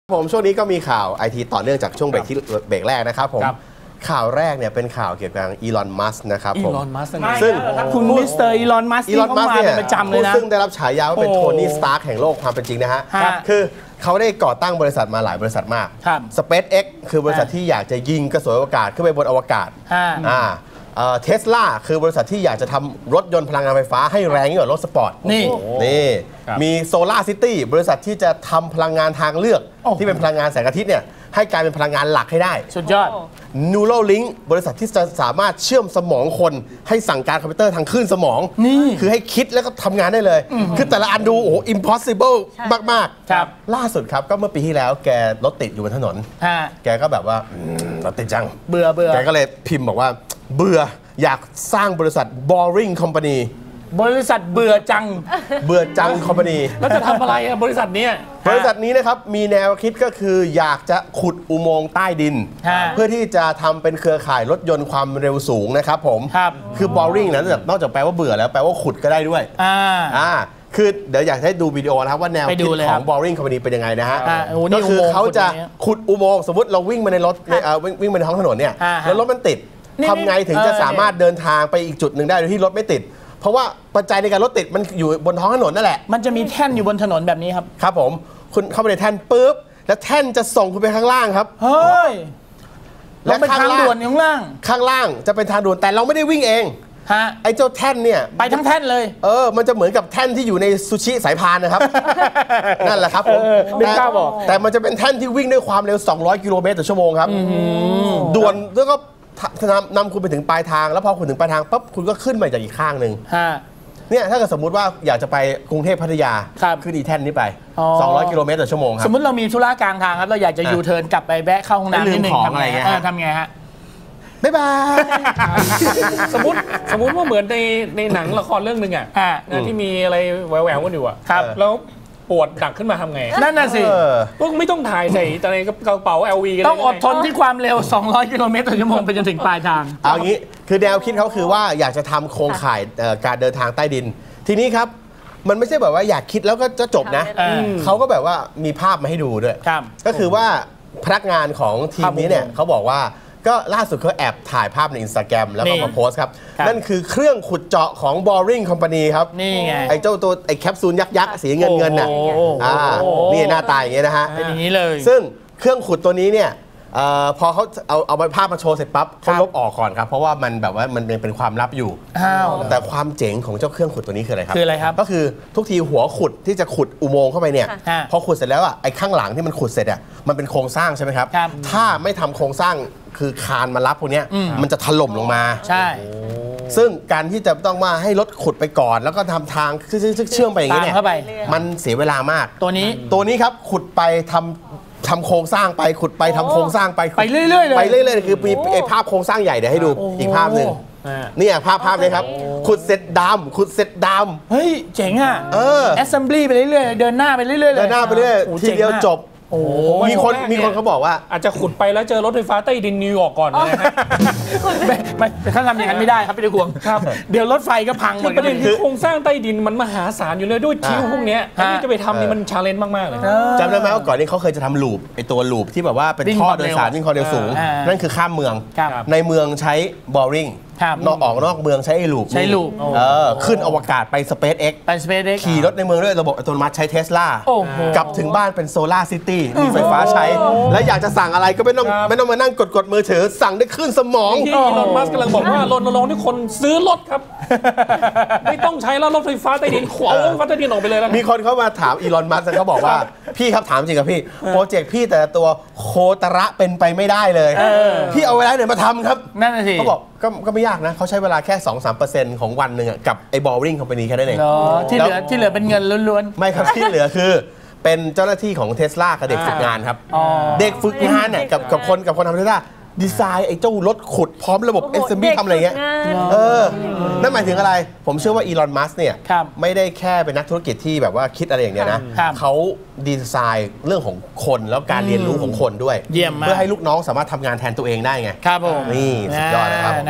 ผมช่วงนี้ก็มีข่าวไอทีต่อเนื่องจากช่วงเบรกแรกนะครับผมข่าวแรกเนี่ยเป็นข่าวเกี่ยวกับอีลอน มัสก์นะครับผมซึ่งคุณมิสเตอร์อีลอน มัสก์ที่เขามาเป็นประจำเลยนะซึ่งได้รับฉายาว่าเป็นโทนี่ สตาร์คแห่งโลกความเป็นจริงนะฮะคือเขาได้ก่อตั้งบริษัทมาหลายบริษัทมาก SpaceX คือบริษัทที่อยากจะยิงกระสวยอวกาศขึ้นไปบนอวกาศเทสลาคือบริษัทที่อยากจะทำรถยนต์พลังงานไฟฟ้าให้แรงยิ่งกว่ารถสปอร์ตนี่มีโซลาร์ซิตี้บริษัทที่จะทำพลังงานทางเลือกที่เป็นพลังงานแสงอาทิตย์เนี่ยให้กลายเป็นพลังงานหลักให้ได้สุดยอด Neuralink บริษัทที่จะสามารถเชื่อมสมองคนให้สั่งการคอมพิวเตอร์ทางคลื่นสมองคือให้คิดแล้วก็ทำงานได้เลยคือแต่ละอันดูโอ้ impossible มากๆล่าสุดครับก็เมื่อปีที่แล้วแกรถติดอยู่บนถนนแกก็แบบว่ารถติดจังเบื่อแกก็เลยพิมพ์บอกว่าเบื่ออยากสร้างบริษัท Boring Company บริษัทเบื่อจังคอมพานีแล้วจะทำอะไรบริษัทนี้นะครับมีแนวคิดก็คืออยากจะขุดอุโมงค์ใต้ดินเพื่อที่จะทำเป็นเครือข่ายรถยนต์ความเร็วสูงนะครับผมคือ boring นะนอกจากแปลว่าเบื่อแล้วแปลว่าขุดก็ได้ด้วยคือเดี๋ยวอยากให้ดูวิดีโอนะครับว่าแนวคิดของ Boring Company เป็นยังไงนะฮะก็คือเขาจะขุดอุโมงค์สมมติเราวิ่งมาในรถวิ่งมาในท้องถนนเนี่ยแล้วรถมันติดทำไงถึงจะสามารถเดินทางไปอีกจุดหนึ่งได้โดยที่รถไม่ติดเพราะว่าปัจจัยในการรถติดมันอยู่บนท้องถนนนั่นแหละมันจะมีแท่นอยู่บนถนนแบบนี้ครับครับผมคุณเข้าไปในแท่นปุ๊บแล้วแท่นจะส่งคุณไปข้างล่างครับเฮ้ยและข้างด่วนข้างล่างจะเป็นทางด่วนแต่เราไม่ได้วิ่งเองไอ้เจ้าแท่นเนี่ยไปทั้งแท่นเลยมันจะเหมือนกับแท่นที่อยู่ในซูชิสายพานนะครับนั่นแหละครับผมแต่มันจะเป็นแท่นที่วิ่งด้วยความเร็ว200กิโลเมตรต่อชั่วโมงครับด่วนแล้วก็นำคุณไปถึงปลายทางแล้วพอคุณถึงปลายทางปั๊บคุณก็ขึ้นมาจากอีกข้างหนึ่งเนี่ยถ้าเกิดสมมุติว่าอยากจะไปกรุงเทพพัทยาขึ้นอีแท่นนี้ไป200กิโลเมตรต่อชั่วโมงครับสมมติเรามีธุระกลางทางครับเราอยากจะยูเทิร์นกลับไปแวะเข้าห้องน้ำนิดนึงทำไงฮะบ๊ายบายสมมติว่าเหมือนในหนังละครเรื่องหนึ่งที่มีอะไรแหววกันอยู่แล้วปวดดักขึ้นมาทำไงนั่นน่ะสิพวกไม่ต้องถ่ายใส่ในกระเป๋า LV กันต้องอดทนที่ความเร็ว200กิโลเมตรต่อชั่วโมงไปจนถึงปลายทางเอางี้คือแนวคิดเขาคือว่าอยากจะทำโครงข่ายการเดินทางใต้ดินทีนี้ครับมันไม่ใช่แบบว่าอยากคิดแล้วก็จะจบนะเขาก็แบบว่ามีภาพมาให้ดูด้วยก็คือว่าพนักงานของทีมนี้เนี่ยเขาบอกว่าก็ล่าสุดเขาแอบถ่ายภาพใน Instagram แล้วก็มาโพสต์ครับนั่นคือเครื่องขุดเจาะของ Boring Company ครับนี่ไงไอ้เจ้าตัวไอ้แคปซูลยักษ์สีเงินน่ะนี่หน้าตาอย่างเงี้ยนะฮะเป็นอย่างนี้เลยซึ่งเครื่องขุดตัวนี้เนี่ยพอเขาเอาภาพมาโชว์เสร็จปั๊บเขาลบออกก่อนครับเพราะว่ามันแบบว่ามันเป็นความลับอยู่แต่ความเจ๋งของเจ้าเครื่องขุดตัวนี้คืออะไรครับก็คือทุกทีหัวขุดที่จะขุดอุโมงค์เข้าไปเนี่ยพอขุดเสร็จแล้วไอ้ข้างหลังที่มันขุดเสร็จมันเป็นโครงสร้างใช่ไหมครับถ้าไม่ทำโครงสร้างคือคานมารับพวกนี้มันจะถล่มลงมาใช่ซึ่งการที่จะต้องมาให้รถขุดไปก่อนแล้วก็ททางเชื่อมไปอย่างนี้เนี่ยมันเสียเวลามากตัวนี้ครับขุดไปทำโครงสร้างไปขุดไปทำโครงสร้างไปเรื่อยๆเลยไปเรื่อยๆคือมีภาพโครงสร้างใหญ่เดี๋ยวให้ดูอีกภาพหนึ่งนี่ภาพนี้ครับขุดเสร็จดำเฮ้ยเจ๋งอ่ะassembly ไปเรื่อยๆเดินหน้าไปเรื่อยๆทีเดียวจบมีคนเขาบอกว่าอาจจะขุดไปแล้วเจอรถไฟฟ้าใต้ดินนิวยอร์กก่อนนะฮะไม่เขาทำอย่างนั้นไม่ได้ครับพี่ตะกวงเดี๋ยวรถไฟก็พังหมดประเด็นคือโครงสร้างใต้ดินมันมหาศาลอยู่เลยด้วยทิ้งพวกนี้ที่จะไปทำนี่มันชาเลนจ์มากๆเลยจำได้ไหมว่าก่อนนี้เขาเคยจะทำลูปไอตัวลูปที่แบบว่าเป็นท่อโดยสารวิ่งความเร็วสูงนั่นคือข้ามเมืองในเมืองใช้ Boringออกนอกเมืองใช้ลูปขึ้นอวกาศไป SpaceX ขี่รถในเมืองด้วยระบบอัตโนมัติใช้ Tesla กลับถึงบ้านเป็นโซลาร์ซิตี้มีไฟฟ้าใช้และอยากจะสั่งอะไรก็ไม่ต้องมานั่งกดมือถือสั่งได้ขึ้นสมองที่อีลอน มัสก์กำลังบอกว่ารณรงค์ให้คนซื้อรถครับไม่ต้องใช้แล้วรถไฟฟ้าใต้ดินขวางรถไฟฟ้าใต้ดินออกไปเลยแล้วมีคนเข้ามาถามอีลอน มัสก์เขาบอกว่าพี่ครับถามจริงกับพี่โปรเจกต์พี่แต่ตัวโคตระเป็นไปไม่ได้เลยพี่เอาเวลาไหนมาทำครับนั่นสิเขาบอกก็ไม่ยากนะเขาใช้เวลาแค่ 2-3% ของวันหนึ่งกับไอ้ Boring Company แค่นั้นเองที่เหลือเป็นเงินล้วนๆไม่ครับที่เหลือคือเป็นเจ้าหน้าที่ของ Tesla กับเด็กฝึกงานครับเด็กฝึกงานเนี่ยกับคนทำ Tesla ดีไซน์ไอ้เจ้ารถขุดพร้อมระบบ assembly ทำอะไรเงี้ยนั่นหมายถึงอะไรผมเชื่อว่าอีลอน มัสก์เนี่ยไม่ได้แค่เป็นนักธุรกิจที่แบบว่าคิดอะไรอย่างเดียวนะเขาดีไซน์เรื่องของคนแล้วการเรียนรู้ของคนด้วยเพื่อให้ลูกน้องสามารถทำงานแทนตัวเองได้ไงครับผมนี่สุดยอดนะครับ